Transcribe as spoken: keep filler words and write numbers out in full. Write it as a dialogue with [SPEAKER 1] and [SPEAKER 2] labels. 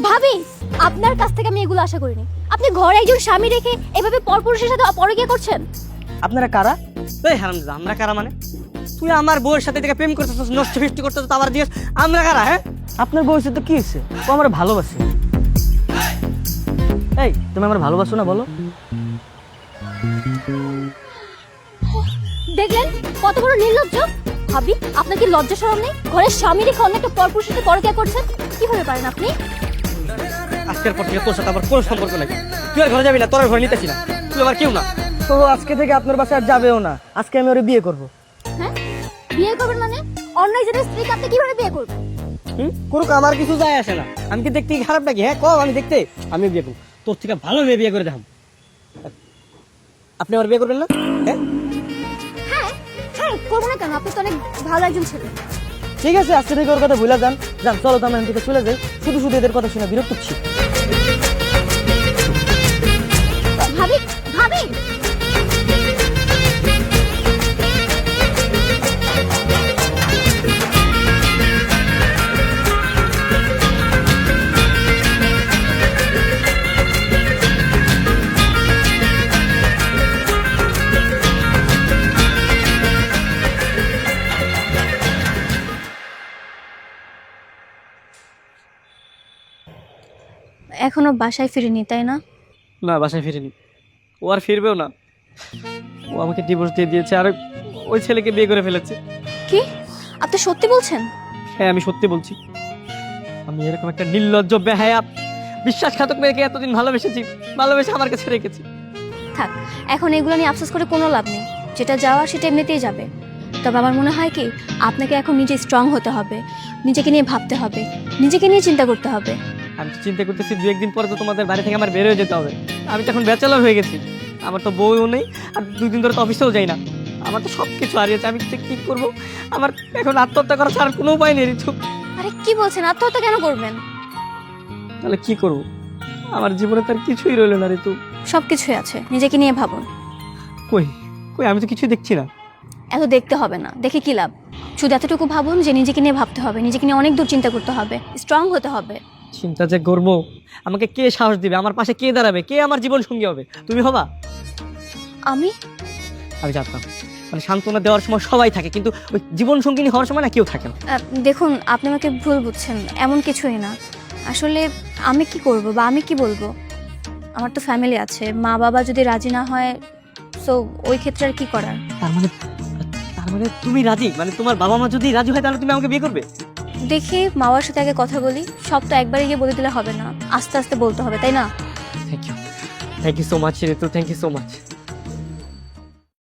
[SPEAKER 1] ভাবি, আপনার কাছ থেকে আমি এগুলো আশা করিনি। আপনি ঘরে একজন স্বামী রেখে এভাবে পরপুরুষের সাথে পরকীয়া করছেন।
[SPEAKER 2] আপনারা কারা?
[SPEAKER 3] এই হারামজাদা, আমরা কারা মানে? তুই আমার বউয়ের সাথে থেকে প্রেম করতেছিস, নষ্ট ফিষ্ট করতেছিস, আবার দিয়েছ আমরা কারা? হ্যাঁ,
[SPEAKER 2] আপনার বয়সে তো কি হয়েছে? ও আমার ভালোবাসে। এই, তুমি আমার ভালোবাসো না বলো?
[SPEAKER 1] দেখলেন কত বড় নির্লজ্জ। ভাবি, আপনার কি লজ্জা শরম নেই? ঘরের স্বামী রেখে অন্য একটা পরপুরুষের সাথে পরকীয়া করছেন। কিভাবে পারেন আপনি?
[SPEAKER 3] আজকের পর থেকে তোর সাথে আমার কোনো সম্পর্ক নাই। তুই আর ঘরে যাবি না, তোর আর ঘরে নিতেছি না। তুই আমার কেউ না।
[SPEAKER 2] তো আজকে থেকে আপনার বাসায় আর যাবেও না। আজকে আমি ওরে বিয়ে করব।
[SPEAKER 1] হ্যাঁ, বিয়ে করবেন মানে? অন্য একজনের স্ত্রীকে আপনি কিভাবে বিয়ে করবেন?
[SPEAKER 3] হুম, করুক, আমার কিছু যায় আসে না। আমি কি দেখতে খারাপ নাকি? হ্যাঁ, কম আমি দেখতে। আমি বিয়ে করবো, তোর থেকে ভালো মেয়ে বিয়ে করে দেখাম। আপনি আমার বিয়ে করবেন না? হ্যাঁ
[SPEAKER 1] হ্যাঁ হ্যাঁ, করবো না কেন? আপনি তো অনেক ভালো একজন ছেলে।
[SPEAKER 2] ঠিক আছে, আজকে থেকে ওর কথা ভুলে যান। যান, চলো তো আমরা এখান থেকে চলে যাই। শুধু শুধু এদের কথা শুনে বিরক্ত হচ্ছি।
[SPEAKER 1] ভাবি, ভাবি, এখনো বাসায় ফিরিনি তাই না?
[SPEAKER 3] না, বাসায় ফিরিনি। ও আর ফিরবেও না। ও আমাকে ডিভোর্স দিয়ে দিয়েছে আর ওই ছেলেকে বিয়ে করে ফেলেছে।
[SPEAKER 1] কি আপনি সত্যি বলছেন?
[SPEAKER 3] হ্যাঁ, আমি সত্যি বলছি। আমি এরকম একটা নির্লজ্জ, বেহায়া, বিশ্বাসঘাতক মেয়েকে এতদিন ভালোবেসেছি, ভালোবেসে আমার কাছে রেখেছি।
[SPEAKER 1] থাক, এখন এগুলো নিয়ে আফসোস করে কোনো লাভ নেই। যেটা যাওয়ার সেটা এমনিতেই যাবে। তবে আমার মনে হয় কি, আপনাকে এখন নিজে স্ট্রং হতে হবে, নিজেকে নিয়ে ভাবতে হবে, নিজেকে নিয়ে চিন্তা করতে হবে।
[SPEAKER 3] আমি তো চিন্তা করতেছি দু একদিন পরে তো তোমাদের বাড়ি থেকে আমার বের হয়ে যেতে হবে। আমি তো এখন ব্যাচেলর হয়ে গেছি, আমার তো বউও নেই, আর দুই দিন ধরে তো অফিসেও যাই না। আমার তো সব কিছু হারিয়েছে। আমি কি করব? আমার এখন আত্মহত্যা করা ছাড়া কোনো উপায় নেই ঋতু।
[SPEAKER 1] আরে কি বলছেন? আত্মহত্যা কেন করবেন?
[SPEAKER 3] তাহলে কি করব? আমার জীবনে তার কিছুই রইল না ঋতু।
[SPEAKER 1] সব কিছুই আছে, নিজেকে নিয়ে ভাবুন।
[SPEAKER 3] কই কই আমি তো কিছুই দেখছি না।
[SPEAKER 1] এত দেখতে হবে না, দেখে কি লাভ? শুধু এতটুকু ভাবুন যে নিজেকে নিয়ে ভাবতে হবে, নিজেকে নিয়ে অনেক দূর চিন্তা করতে হবে, স্ট্রং হতে হবে।
[SPEAKER 3] চিন্তা যে করবো, আমাকে কে সাহস দিবে? আমার পাশে কে দাঁড়াবে? কে আমার জীবন সঙ্গী হবে? তুমি হবা?
[SPEAKER 1] আমি
[SPEAKER 3] আমি জানতাম, মানে সান্ত্বনা দেওয়ার সময় সবাই থাকে, কিন্তু ওই জীবন সঙ্গিনী হওয়ার সময় না কেউ থাকে না।
[SPEAKER 1] আহ, দেখুন, আপনি আমাকে ভুল বুঝছেন। এমন কিছুই না। আসলে আমি কি করব বা আমি কি বলবো? আমার তো ফ্যামিলি আছে, মা বাবা যদি রাজি না হয়, সো ওই ক্ষেত্রে আর কি করার?
[SPEAKER 3] তার মানে তার মানে তুমি রাজি? মানে তোমার বাবা মা যদি রাজি হয় তাহলে তুমি আমাকে বিয়ে করবে?
[SPEAKER 1] দেখি, মা বাবার সাথে আগে কথা বলি। সব তো একবারে গিয়ে বলে দিলে হবে না, আস্তে আস্তে বলতে হবে, তাই না?
[SPEAKER 3] Thank you, thank you so much Ritu, thank you so much.